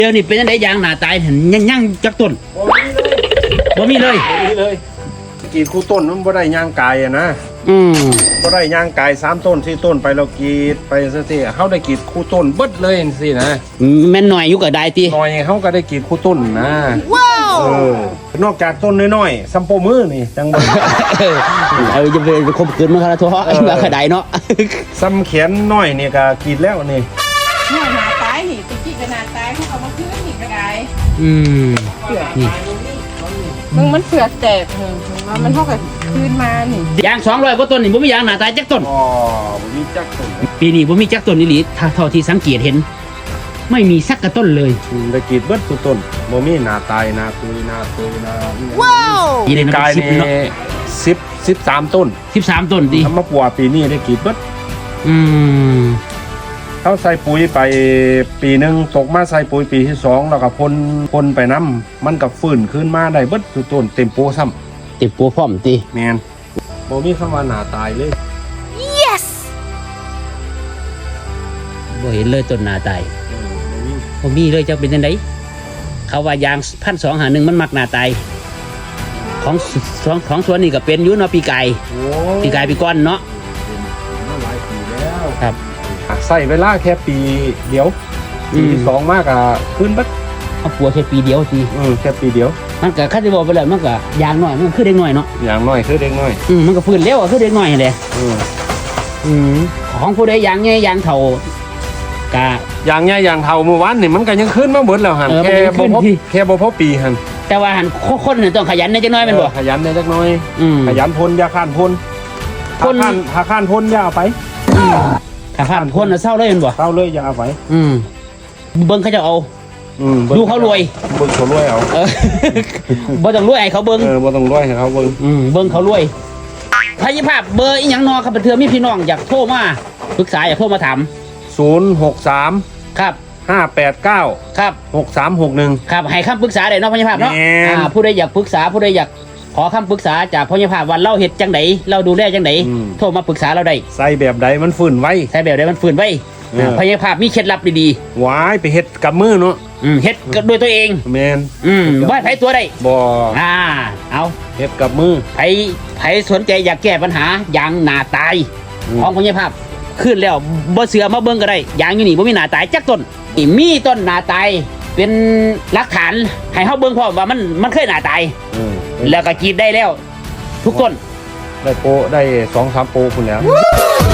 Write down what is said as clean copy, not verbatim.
เดี๋ยวนี้เป็นยังไงยางหนาตายเห็นยังจักต้นบ่มีเลยกรีดคู่ต้นมันบ่ได้ย่างกายอะนะบ่ได้ย่างกาย3ต้น4ต้นไปเรากรีดไปซะสิเฮาได้กรีดคู่ต้นเบิดเลยสินะแม่นหน่อยอยู่ก็ได้ติหน่อยเฮาก็ได้กรีดคู่ต้นนะว้าวนอกจากต้นน้อยๆซัมโปมือนี่จังบ่จะไปคบคืนมันครับทั่วว่าก็ได้เนาะซ้ำแขนน้อยนี่ก็กรีดแล้วนี่เนี่ยหนาตายนี่ตะกี้ก็หนาตายเขาเอามาคืนนี่ก็ได้นี่มึงมันเผือกแตกมันเท่ากับคืนมานี่ยาง200กว่าต้นนี่บ่มียางหนาตายจักต้นอ๋อบ่มีจักต้นปีนี้บ่มีจักต้นอีหลีเท่าที่สังเกตเห็นไม่มีสักกระต้นเลยได้กรีดเบิดทุกต้นบ่มีหน้าตายหน้าตุยว้าวปีนี้กายนี่13ต้น 13ต้นดิทำมาปัวปีนี้ได้กรีดเบิดเขาใส่ปุ๋ยไปปีนึงตกมาใส่ปุ๋ยปีที่2แล้วก็พ่นไปน้ำมันก็ฟื้นขึ้นมาได้เบิดทุกต้นเต็มโปซ้ำเต็มโปพร้อมติแม่นบ่มีคำว่าหน้าตายเลย yes บ่เห็นเลยต้นหน้าตายบ่มีเลยจะเป็นจังได๋เขาว่ายาง1251มันมักหน้าตายของสวนนี่ก็เป็นอยู่เนาะปีกายปีก้อนเนาะหลายปีแล้วครับใส่เวลาแค่ปีเดียวปีที่2มากอ่ะขึ้นบัดเอาปัวแค่ปีเดียวทีแค่ปีเดียวมันก็คันสิบอกไปแล้วมันก็ยางน้อยมันคือเด็กน้อยเนาะยางน้อยคือเด็กน้อยมันก็ฟื้นเร็วคือเด็กน้อยแหละของผู้ใดยางใหญ่ยางเฒ่าก็ยางใหญ่ยางเฒ่าเมื่อวานนี่มันก็ยังขึ้นมาเบิดแล้วหั่นแค่บ่พอปีหั่นแต่ว่าหั่นคนน่ะต้องขยันจักหน่อยแม่นบ่ขยันได้จักหน่อยขยันพ่นอย่าข้านพ่นถ้าข้านพ่นอย่าเอาไปถ้าข้านพ่นน่ะเศร้าเลยแม่นบ่เศร้าเลยอย่าเอาไปเบิ่งเขาจะเอาดูเขารวยเบิ่งเขารวยเอาบ่ต้องรวยให้เขาเบิ่งบ่ต้องรวยให้เขาเบิ่งเบิ่งเขารวยพยาภาพเบอร์อีหยังนอครับเทื่อมีพี่น้องอยากโทรมาปรึกษาอยากโทรมาถาม 063 ครับ 589 ครับ 6361 ครับให้คำปรึกษาได้เนาะพยาภาพเนาะผู้ใดอยากปรึกษาผู้ใดอยากขอคำปรึกษาจากพยาภาพว่าเราเฮ็ดจังไดเราดูแลจังไดโทรมาปรึกษาเราได้ใส่แบบใดมันฟื้นไว้ใส่แบบใดมันฟื้นไว้พยาภาพมีเคล็ดลับดีๆว้ายไปเฮ็ดกับมือเนาะเฮ็ดด้วยตัวเองแม่นบ่ให้ไผตัวได้บ่เอาเฮ็ดกับมือไผสนใจอยากแก้ปัญหายางหน้าตายของพยาภาพขึ้นแล้วบ่เสือมาเบิ่งก็ได้ยางอยู่นี่บ่มีหน้าตายจักต้นมีต้นหน้าตายเป็นหลักฐานให้เฮาเบิ่งพร้อมว่ามันเคยหน้าตายแล้วก็กรีดได้แล้วทุกต้นได้โปได้2-3โปพุ่นแล้ว